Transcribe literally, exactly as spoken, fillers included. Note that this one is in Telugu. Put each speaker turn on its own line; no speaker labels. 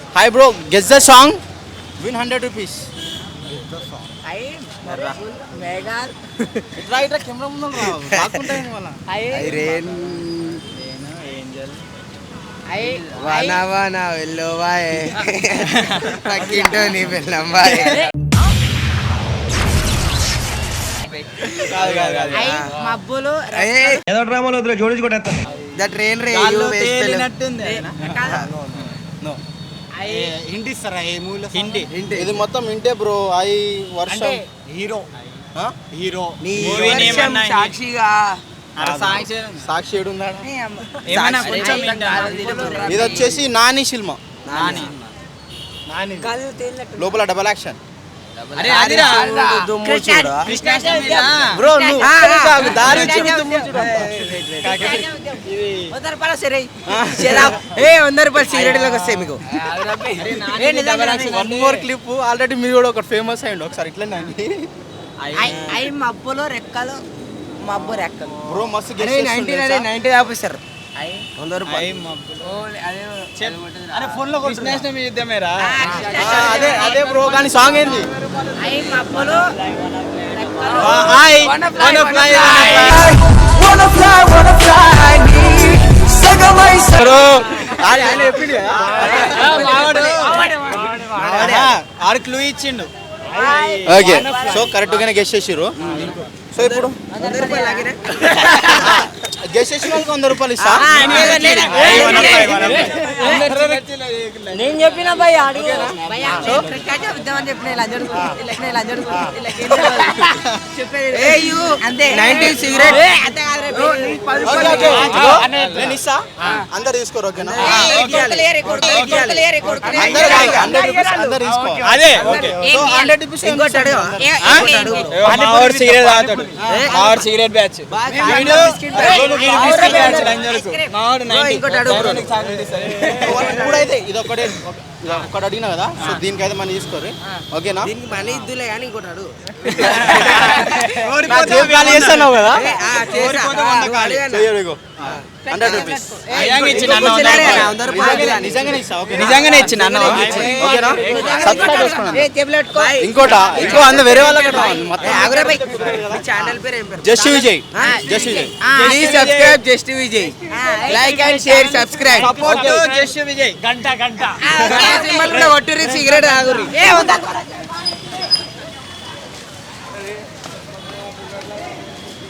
Hi bro, guess the song, win hundred rupees. ఇట్లా ఇట్లా కెమెరా ముందు రాకుంటాయి మళ్ళీ.
ఐరేన్ వాన వాన వెళ్ళోవాయే పక్కింటో నీ పిల్లంబాయే.
మబ్బులు
ఏదో డ్రామాలో వద్దులే జోడించుకుంటా. ద ట్రైన్ రే
హింట్ ఇస్తారా? ఏ మూవీలో హింట్? ఇది మొత్తం హింటే బ్రో. ఐ వర్షం
హీరో
హీరో
సాక్షిగా
సాక్షి ఏడున్నాడు. ఇది వచ్చేసి నాని సినిమా. లోపల డబల్ యాక్షన్. బ్రో దారి
వంద రూపాయలు సిగరెట్ లాగా వస్తాయి మీకు.
One more clip. ఆల్రెడీ మీరు కూడా ఒకటి ఫేమస్ అయ్యండి ఒకసారి ఇట్లా.
ఐ మబ్బులు రెక్కలు మబ్బు రెక్కలు
బ్రో మస్తు
నైన్టీ ఆఫీసర్ వంద రూపాయలు.
అదే అదే బ్రో, కానీ సాంగ్ ఏంది?
ఐ మబ్బులు
ఆరు క్లూ ఇచ్చిండు. ఓకే, సో కరెక్ట్ గానే గెస్ చేసిర్రు. సో ఇప్పుడు గెస్ చేసిన వాళ్ళకి వంద రూపాయలు ఇస్తా.
నేను చెప్పిన భయ
నేను ఇస్తా, అందరు తీసుకోరు. ఓకేనా? అందరు తీసుకో. అదే okay. So hundred rupees cigarette batch. ఇప్పుడైతే ఇది ఒకటే ఒకటి అడిగినా కదా, సో దీనికైతే మనీ తీసుకోరు. ఓకేనా?
మనీ ఇద్దులే కానీ ఇంకోటి అడుగు.
చేస్తున్నావు కదా, హండ్రెడ్ రూపీస్ నిజంగానే ఇస్తా. నిజంగానే ఇచ్చిన ఇంకోట ఇంకో అంద వేరే వాళ్ళకి
ఛానల్ పేరు ఏం పేరు?
Just Vijay. Just Vijay.
Please subscribe just Vijay. Like and share subscribe.
Just Vijay. గంట గంట
కొట్టుర్రి సిగరెట్ ఆగుర్రి.